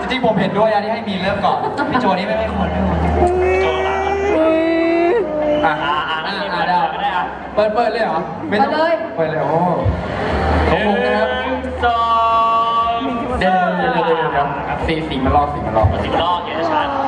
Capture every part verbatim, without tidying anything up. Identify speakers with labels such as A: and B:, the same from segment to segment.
A: จริงๆผมเห็นด้วยนะที่ให้มีนเริ่มก่อนพี่โจนี่ไม่ไม่ควรไม่ควรโจหลังอ่ะอ่ะอ่ะอ่ะได้ได้อ่ะเปิดเปิดเลยเหรอไม่ต้องเลยเปิดเลยโอ้ของผมนะครับสองเดี๋ยวเดี๋ยวเดี๋ยวเดี๋ยวเดี๋ยวสีสีมาลอกสีมาลอกสีมาลอกเห็นชัด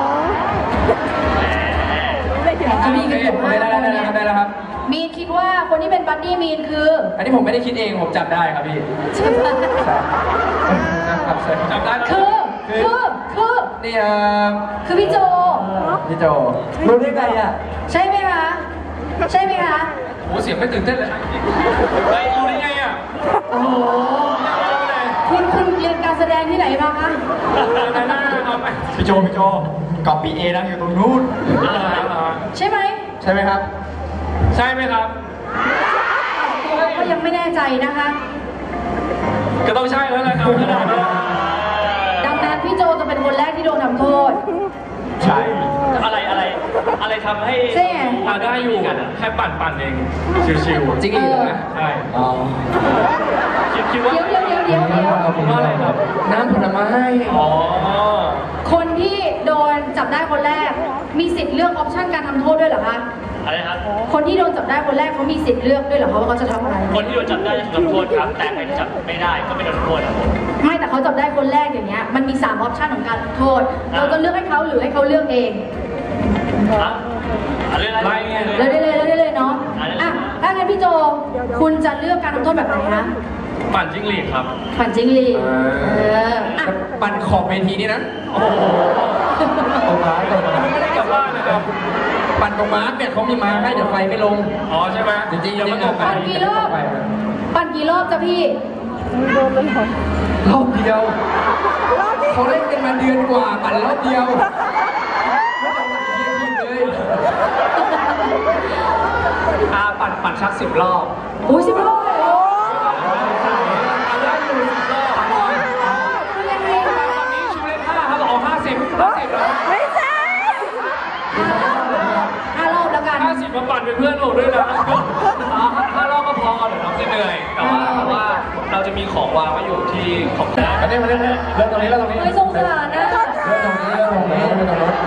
B: จะมีกันอยู่
A: ได้แล้วได้แล้วได้แล้วครับ
B: มีนคิดว่าคนที่เป็นบัดดี้มีนคือ
A: อันนี้ผมไม่ได้คิดเองผมจับได้ครับพี่
B: ใช่ไหม
A: ครับจับได้
B: คือคือคือ
A: นี่ครับ
B: คือพี่โจ
A: พี่โจรู้ได้ไงอ่ะ
B: ใช่ไหมคะใช่ไหมคะ
A: โอ้เสียงไม่ตื่นเต้นเลยเฮ้ยรู้ได้ไงอ่ะ
B: โอ้โหคุณคุณเรียนการแสดงที่ไหนมาคะ
A: พี่โจพี่โจกอบปีเอนั่งอยู่ตรงนู้น
B: ใช่ไหม
A: ใช่ไหมครับใช่ไหมครับ
B: ก็ยังไม่แน่ใจนะคะ
A: ก็ต้องใช่แล้วแหละครับ
B: ดังนั้นพี่โจจะเป็นคนแรกที่โดนทำโทษ
A: ใช่อะไรอะไรอะไรทำให้
B: มา
A: ได้อยู่แค่ปั่นปั่นเองชิวๆจริงเหรอใช่อ๋อคิดว่า
B: เดี๋ยวเดี๋ยวเดี๋ยวเดี๋ยวเดี๋ยว
A: ว่าอะไรครับน้ำผลไม้อ๋อ
B: คนที่โดนจับได้คนแรกมีสิทธิ์เลือกออปชั่นการทำโทษด้วยเหรอคะ
A: อะไรครับ
B: คนที่โดนจับได้คนแรกเขามีสิทธิ์เลือกด้วยเหรอคะว่าเขาจะทำอะไร
A: คนที่โดนจับได้จะถูกทำโทษครับแต่ใครที่จับไม่ได้ก็ไม่โดนโทษครับ
B: ไม่แต่เขาจับได้คนแรกอย่างเงี้ยมันมีสามออปชั่นของการทำโทษเราจะเลือกให้เขาหรือให้เขาเลือกเอง
A: เรื่องอะไรเงี้ย
B: เลยได้เลยได้เลยเนาะอ่ะถ้างั้นพี่โจคุณจะเลือกการทำโทษแบบไหนคะ
A: ปั่นจิ้งหรีดครับ
B: ปั่นจิ้งหรีดเออ
A: ปั่นขอบเวทีนี่นะโอ้โหตรงม้าตรงม้าไม่ได้กลับบ้านนะครับปั่นตรงม้าเนี่ยเขามีม้าให้เดี๋ยวไฟไม่ลงอ๋อใช่ไหมจริงจริงยังไม่ตก
B: ปั่นกี่รอบปั่นกี่รอบจ้ะพี่
A: รอบเดียวเขาเล่นกันมาเดือนกว่าปั่นรอบเดียวอาปั่นปั่นชักสิบรอบ
B: โอ้ยสิบรอบเลยเหรอ
A: ได้อยู่สิบรอบ
B: คือยังไงคะ
A: ตอนนี้ชูเลขห้าครับออกห้าสิบห้าสิบแล้ว
B: ไม่ใช่ห้ารอบแล้วกัน
A: ห้าสิบมาปั่นเป็นเพื่อนผมด้วยนะห้ารอบก็พอเดี๋ยวน้องจะเหนื่อยแต่ว่าเพราะว่าเราจะมีของวางไว้อยู่ที่ของแท้มาเนี่ยมาเนี่ยเริ่มตรงนี้เริ่มตรงนี้
B: ไม่สงสารนะ
A: เริ่มตรงนี้เริ่มตรงนี้เริ่มตรงนี้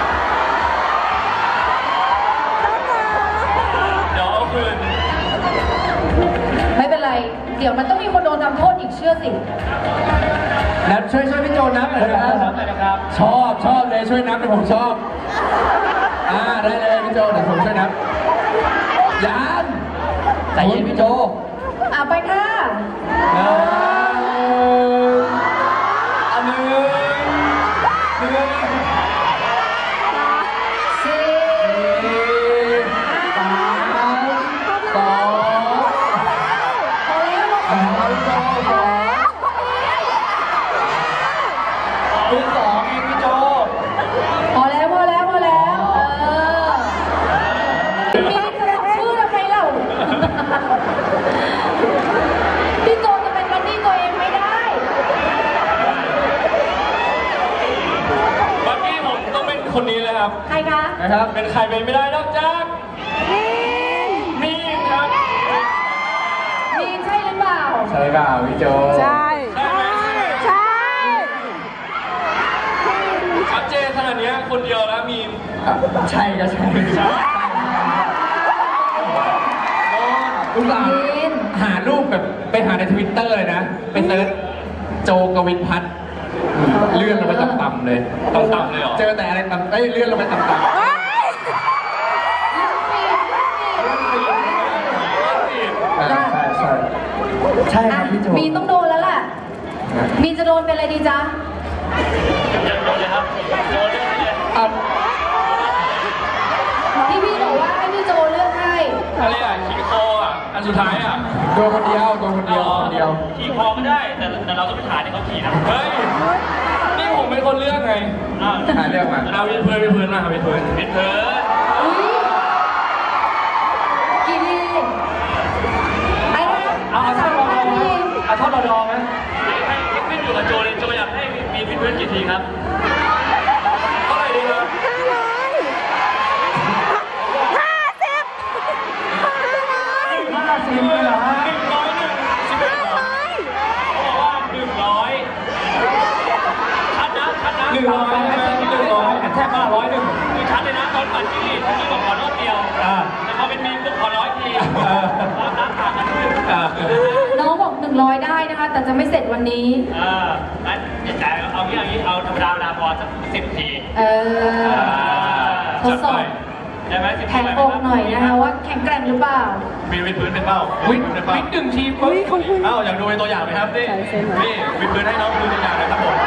B: ไม่เป็นไรเดี๋ยวมันต้องมีคนโดนทำโทษอีกเชื่อสิ
A: นับช่วยช่วยพี่โจนับหน่อยนะครับชอบชอบเลยช่วยนับเลยผมชอบอ่าได้เลยพี่โจเดี๋ยวผมช่วยนับยานใจเย็นพี่โจ
B: อ่ะไปค่ะ
A: อันหนึ่งหนึ่งสี่สามสองมือสองเองพี่โจ
B: พอแล้วพอแล้วพอแล้วเออมีสลับชื่อทำไมเล่าพี่โจจะเป็นบัดดี้ตัวเองไม่ได้
A: บัดดี้ผมต้องเป็นคนนี้เลยครับ
B: ใครคะ
A: นะครับเป็นใครเป็นไม่ได้นอกจากมีนครับ
B: มีนใช่หรือเปล่า
A: ใช่เปล่าพี่โจ
B: ใช่ใช่
A: ชัดเจนขนาดนี้คนเดียวแล้วมีนใช่ก็ใช่ใช่อุตส่าห์หารูปแบบไปหาในทวิตเตอร์เลยนะไปเซิร์ชโจกวินพัฒน์เลื่อนลงไปต่ำๆเลยต่ำๆเลยเหรอเจอแต่อะไรต่ำเอ้ยเลื่อนลงไปต่ำๆใช่ใช่ใช่ครับพี่โจ
B: มีต้องโดนแล้วล่ะมีจะโดนเป็นอะไรดีจ๊ะ
A: โดนเลยครับโดนเลย
B: ที่พี่บอกว่าให้พี่โจเลือกให้
A: อะไรอ่ะขี่คออ่ะอันสุดท้ายอ่ะโดนคนเดียวโดนคนเดียวคนเดียวขี่คอก็ได้แต่แต่เราก็ไม่ถ่ายให้เขาขี่นะเฮ้ยนี่ผมเป็นคนเลือกไงอ่าถ่ายเลือกมาเอาวิดพื้นวิดพื้นมาครับวิดพื้นวิดพื้น
B: กี่ทีไอ้นะ
A: เอาเอาท่อนรอเอาท่อนรอไหมให้ให้ขึ้นอยู่กับโจเลยโจอยากให้มีวิดพื้นกี่ทีครับเท่าไหร่ดีครับสิบเลยเหรอฮะหนึ่งร้อยหนึ่งสิบเอ็ดเหรอเขาบอกว่าหนึ่งร้อยชัดนะชัด
B: แต่จะไม่เสร็จวันนี้
C: เอองั้นจ่ายเอางี้เอางี้เอาธรรมดาเวลาพอสักสิบที
B: เออทดสอบ
C: ใช่ไหมสิบ
B: แข็งอกหน่อยนะคะว่าแข็งแกร่งหรือเปล่า
C: มีวิดพื้นเป็นเป้า
A: วิ่ง
C: พื้นเป็นเป้า
A: วิ่งหนึ่งทีปุ๊บ
C: เอ้าอยากดูเป็นตัวอย่างไหมครับนี่นี่วิดพื้นให้น้องดูตัวอย่างหน่อยครับผม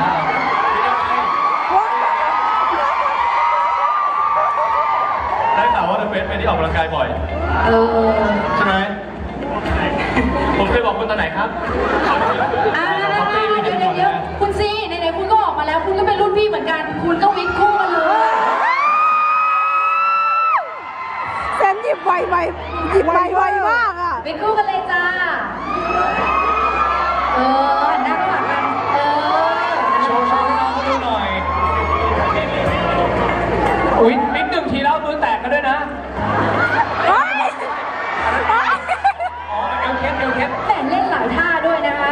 C: ได้ข่าวว่าเป็นเป็นที่ออกกำลังกายบ่อย
B: เออ
C: ใช่ไหมผมเคยบอกคุณตอนไหนครับ
B: อ่าเดี๋ยวเดี๋ยวเดี๋ยวคุณซีไหนๆคุณก็ออกมาแล้ว คุณก็เป็นรุ่นพี่เหมือนกัน คุณก็วิทย์คู่กันเลย
D: เซนหยิบไวไวหยิบไวไวมากอ่ะ
B: วิทย์คู่กันเลยจ้า เออหันหน้าเข้าหากัน เออ
C: โชว์โชว์ให้น้องเขาดูหน่อย
A: วิ่งวิ่งหนึ่งทีแล้วมือแตกกันด้วยนะ
D: เฮ้ย
A: อ๋อเอวเคสเอวเคส
B: แต่เล่นหลายท่าด้วยนะคะ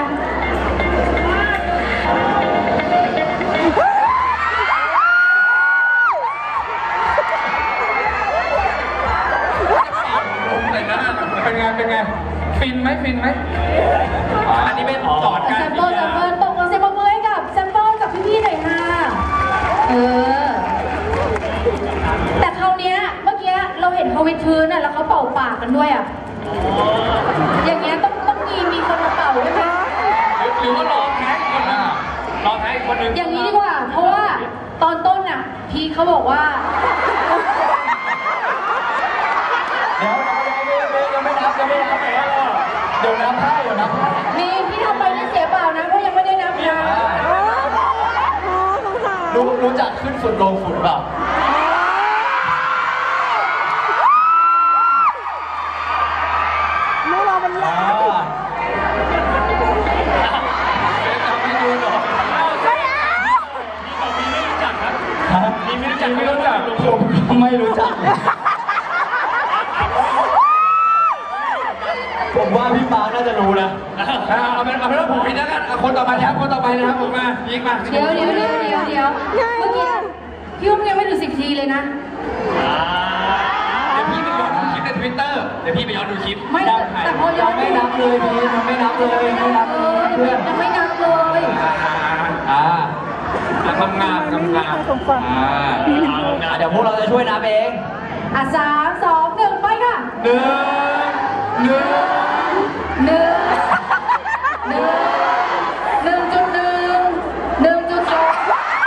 A: เลยนะเป็นไงเป็นไงฟินไหมฟินไหมอันนี้เป็นสอน
B: แซ
A: การ
B: มเปิลแซมเปิลตกลงเซมเปิลให้กับแซมเปิลกับพี่ๆหน่อยค่ะ เออ แต่คราวเนี้ยเมื่อกี้เราเห็นเขาวิดพื้นอ่ะแล้วเขาเป่าปากกันด้วยอ่ะ อย่างเงี้ยต้องต้องมีมีคนมาเป่าด้วยไหม
A: หรือว่ารอแท็กคนนึงรอแท็กคนนึง
B: อย่างนี้ดีกว่า เพราะว่าตอนต้นอ่ะ พี่เขาบอกว่า
A: เดี๋ยวยังไม่นับยังไม่นับเดี๋ยวนับให้เดี๋ยวนับให้
B: มีพี่ทำไปนี่เสียเปล่านะเพราะยังไม่ได้นับนะ
D: อ๋อสงสาร
A: รู้รู้จักขึ้นฝุ่นลงฝุ่นเปล่า
D: ไม่รอมัน
A: อ่า
D: แล้ว
A: จำไม่ดูหรอ
D: ไม่เอา
C: มีไม่รู้จักครับ
A: ฮะ
C: มีไม่รู้จัก
A: ไม่รู้จักผมไม่รู้จักผมว่าพี่ปาน่าจะรู้นะเอาเป็นเอาเป็นว่าผมพี่แล้วกันคนต่อไปนะครับคนต่อไปนะครับผมมายิงมา
B: เดี๋ยวเดี๋ยวเดี๋ยวเดี๋ยวเดี๋ยวเมื่อกี้พี่อุ้มยังไม่ถึงสิบทีเลยนะ
A: เดี๋ยวพี่ไปย้อนดูคลิปในทวิตเตอร์เดี๋ยวพี่ไปย้อนดูคลิป
B: ไม่แต่แต่พอย้อน
A: ไม่นับเลยพี่ยังไม่นับเลยไม่นับ
B: เอ
A: เล
B: อย
A: เพื่อน
B: ยังไม่นับเลย
A: อ่าทำงานทำงานอ่าเดี๋ยวพวกเราจะช่วยนับเอง
B: อ่ะสามสองหนึ่งไปค่ะ
A: หนึ่งหนึ่ง
B: หนึ่งหนึ่งหนึ่งจุดหนึ่งหนึ่งจุดสอง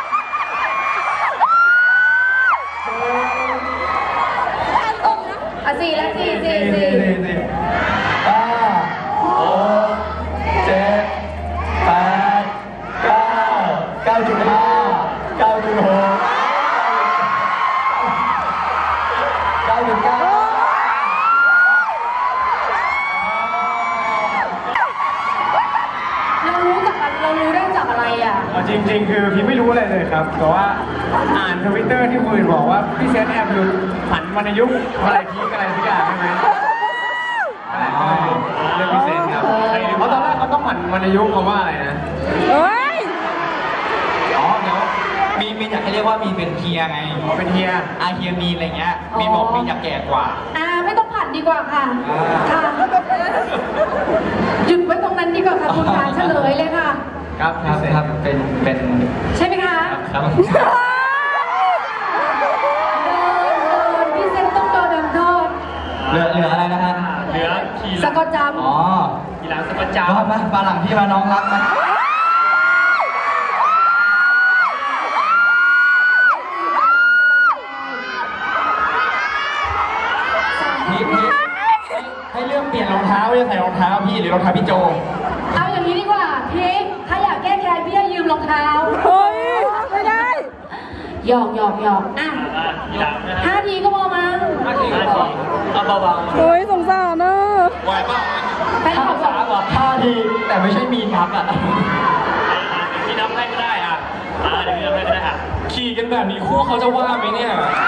B: อ่ะสี่แล้วสี่สี่สี่
A: สี่ห้าหกเจ็ดแปดเก้าเก้าจุดห้าเก้าจุดหกเก้าจุดเก้า
B: เรารู้จากอะไรเรารู้ได้จากอะไรอ่ะ
E: เอาจริงๆ คือพี่ไม่รู้อะไรเลยครับ แต่ว่าอ่านทวิตเตอร์ที่คุยบอกว่าพี่เซนแอบหลุดผันวรรณยุกต์อะไรพีกอะไรทุกอย่างใช่ไหมนั่นแหละก็เลยเรื่องพี่เซนครับเพราะตอนแรกเขาต้องผันวรรณยุกต์เขาว่าอะไรนะ
D: เฮ้ย
A: อ๋อเดี๋ยวมีมีอยากให้เรียกว่ามีเป็นเฮียไง
E: อ๋อเป็นเฮีย
A: อาเฮียมีอะไรเงี้ยมีบอกมีอยากแก่กว่า
B: อ่าไม่ต้องผัดดีกว่าค่ะ
A: อ่า
B: ค่ะหยุดไว้ตรงนั้นดีกว่าค่ะคุณการเฉลยเลยค่ะ
A: ครับครับครับเป็นเป็น
B: ใช่ไหมคะ
A: ครับ
B: โดนโดนพี่เซนต้องโดนทำโทษ
A: เหลือเหลืออะไรนะฮะ
C: เหลือขี่ห
B: ส
C: ลัง
B: กอตจ
A: อ๋อ
C: ขี่หลังสกัดจา
A: มามาปลาหลังพี่มาน้องรักมาพี่พี่ให้เลือกเปลี่ยนรองเท้าจะใส่รองเท้าพี่หรือรองเท้าพี่โจ
B: ำเอาอย่างนี้ดีกว่าพีคถ้าอยากแก้แค้นพี่ให้ยืมรองเท้า
D: เฮ้ย ไม่ได้
B: หยอกหยอกหยอกอ่ะ
C: อ่ะขี่หลังนะฮะ
B: ห้าทีก็พอมั้ง
A: ห้าทีก็พอ
C: เอาเบา
D: เฮ้ย สงสารนะ
A: ไหวป่ะ
B: แฟนคลับบอก
A: สามอ่ะห้าทีแต่ไม่ใช่มีนับอ่ะ
C: ๆพี่นับให้ก็ได้อ่ะอ่าเดี๋ยวพี่นับให้ก็ได้อ่ะ
A: ขี่กันแบบนี้คู่เขาจะว่าไหมเนี่ย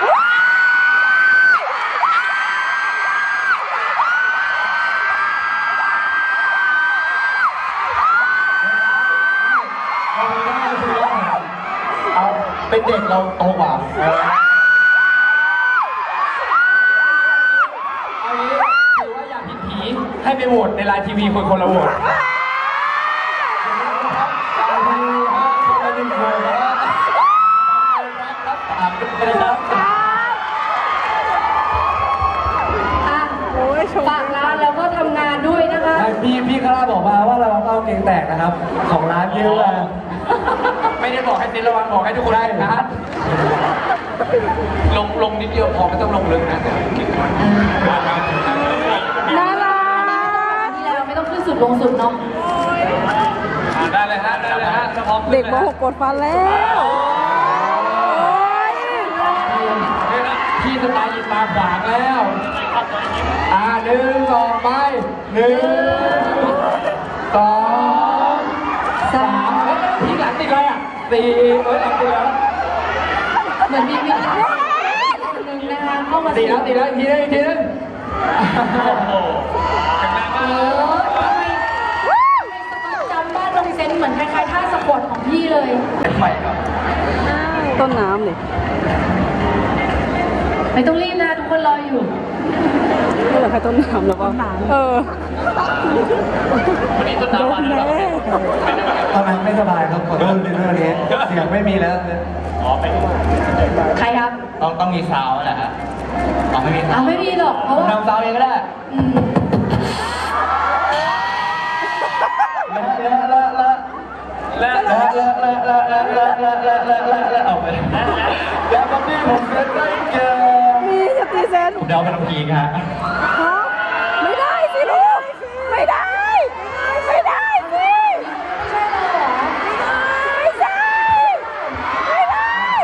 A: เอาเป็นเด็กเราโตกว่าเอางี้ถือว่าอยากผิดผีให้ไปโหวตในไลน์ทีวีคนคนละโหวตเพลงแตกนะครับ ของร้านเยอะอะไม่ได้บอกให้ติดระวังบอกให้ทุกคนได้นะลงลงนิดเดียวพอไม่ต้องลงลึกนะแต่คิดว่า
D: น่ารัก
B: นี่แล้วไม่ต้องขึ้นสุดลงสุดเนาะ
A: ได้เลยฮะได้เลยฮะพร้อม
D: เด็กมหกกดฟันแล้วโอ๊ย
A: พี่สไตล์ยินตาขวางแล้วอ่าหนึ่งสองไปหนึ่งสองสามเฮ้ยทีหลังติดอะไรอ่ะสี่เอ้ยหลังติดแล้ว
B: เหมือนมีวิญญาณคนหนึ่งนะคะเข้ามา
A: ติดแล้วติดแล้วอีกทีนึงอีกทีนึง
C: โอ้โหแข็งแรง
B: เอ
C: มาก
B: อทำไมทำไมสปาจำบ้านลงเซนเหมือนคล้ายๆท่าสะกดของพี่เลย
A: เป็นใหม่ครับ
D: ต้นน้ำเลย
B: ไม่ต้องรีบนะทุกคนรออยู่
D: ไม่เหลือใครต้นน้ำหรอวะเออ
C: วันนี้ต้น
D: โด
C: น้ำมาน แล้ว
D: แน่
A: ตอนนั้นไม่สบายครับขอโทษในเรื่องนี้เสียงไม่มีแล้ว
C: อ๋อเป็น
B: ใครครับ
A: ต้องต้องมีซาวแหละฮะต้องไม่มีซา
B: เอา
A: ว
B: ไม่มีหรอกเพราะว่า
A: ทำซาวเองก็ได้
B: อืม
A: ละละละละละละละละละละละละละละออกไปแล้วตอนนี้ผมเล่นได้เจอ
D: มีสตีเซน
A: ผมเดาเป็นน้ำพีกฮะ
D: ฮะไม่ได้สิลูก ไม่ได้ ไม่ได้สิ
B: ไม่ใช่เราเหรอ
D: ไม่ใช่ ไม่ได้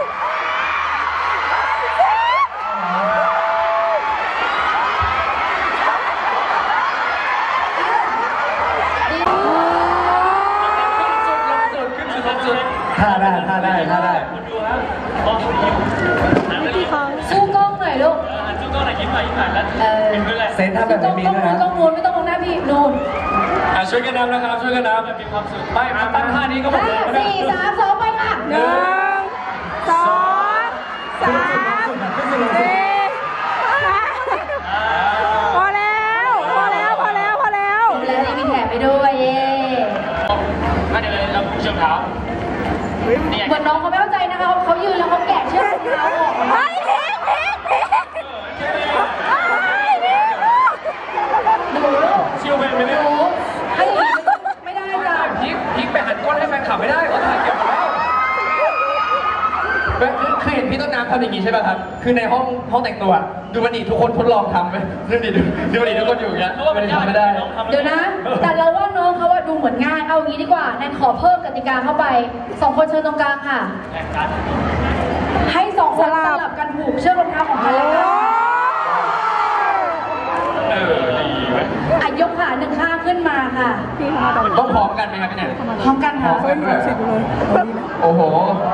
A: ท่าได้ท่าได้ท่าได้
C: คุณดูครับมองคุณยิ้มหันไปยิ้ม
B: สู้กล้องหน่อยลูก
C: หันสู้กล้องหน่อยยิ้มหน่อยยิ้มหน่อยแล้ว
B: เออ
C: เป็นเพื่อนเลย
A: เซนถ้าแบบ
B: ต้อง
A: นี้
B: ต้อง
A: ด้วย
B: นู้น
A: นะ
B: ต้องนู้นไม่ต้องมองหน้าพี่นู่น
C: อ่ะช่วยกันนำนะครับช่วยกันนำมีความสุขไม่มาตั้งท่านี้ก็หมด
B: ห้า
C: เลยก็ได้
B: สี่สามสองไปค่ะ
D: หนึ่งสองสามสี่ห้าพอแล้ว พอแล้ว พอแล้ว พอแล้ว
B: แล้วนี่มีแถมไปด้วยเย่
C: มาเดี๋ยวเราผู้ชมเท้านี่
B: เหมือนน้องเขาไม่เข้าใจนะคะเขายืนแล้วเขาแกะเชือกรองเท้าออก
D: เฮ้ยพีกพีกพีกเฮ้ยพีก
B: หนูลูก
C: ชิวไปไหม
B: ห
C: เนี่ย
B: นูให้อย่างนี้ไม่ได้จ้ะ
A: พีกพีกไปหันก้นให้แฟนขับไม่ได้เขาถ่ายเก็บหมดแล้วเคยเห็นพี่ต้นน้ำทำอย่างนี้ใช่ป่ะครับ คือในห้องห้องแต่งตัว ดูมันดิทุกคนทดลองทำไปดูดิดูดูมันดิทุกคนอยู่อย่างเงี้ยมันทำไม่ได้
B: เดี๋ยวนะ แต่เราว่าน้องเขาว่าดูเหมือนง่าย เอางี้ดีกว่า แนนขอเพิ่มกติกาเข้าไป สองคนเชิญตรงกลางค่ะ ให้สองคนสลับกันผูกเชือกรองเท้าของกันและกัน
C: เออดีเว้ย
B: อ่ะยกขาหนึ่งข้างขึ้นมาค่ะ
D: พี่เขามาตอนไหน
A: ต้องพร้อมกันไหมครับพี่แนน
B: พร้อมกันค่ะ
D: เฮ้ยมีสิบเลย
A: โอ้โห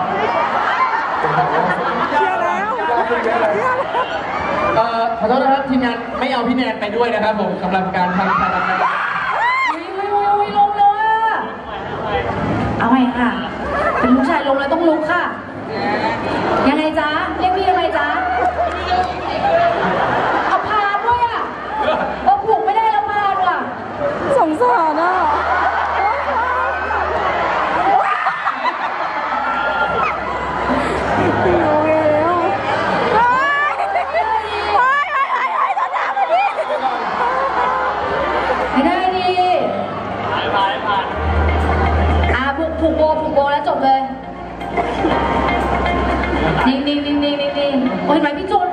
D: เชื่อแล้วเชื่อแล้ว
A: เอ่อขอโทษนะครับทีมงานไม่เอาพี่แนนไปด้วยนะครับผมสำหรับการทำการทำงาน
B: อุ้ยอุ้ยอุ้ยอุ้ยลงแล้วอ่ะเอาไงค่ะ เป็นลูกชายลงแล้วต้องลุกค่ะ ยังไงจ๊ะ เรียกพี่ยังไงจ๊ะ เอาพานด้วยอ่ะเออผูกไม่ได้แล้วพานว่ะ
D: สงสารอ่ะโอเคแล้วเฮ้ยเฮ้ยเฮ้ยเฮ้ยเฮ้ยต้นน้ำมาดิ
B: ไม่ได้ดิ
C: ผ่านผ่านผ่าน
B: อ่ะผูกผูกโบผูกโบแล้วจบเลย นิ่งนิ่งนิ่งนิ่งนิ่งโอ้ยเห็นไหมพี่โจ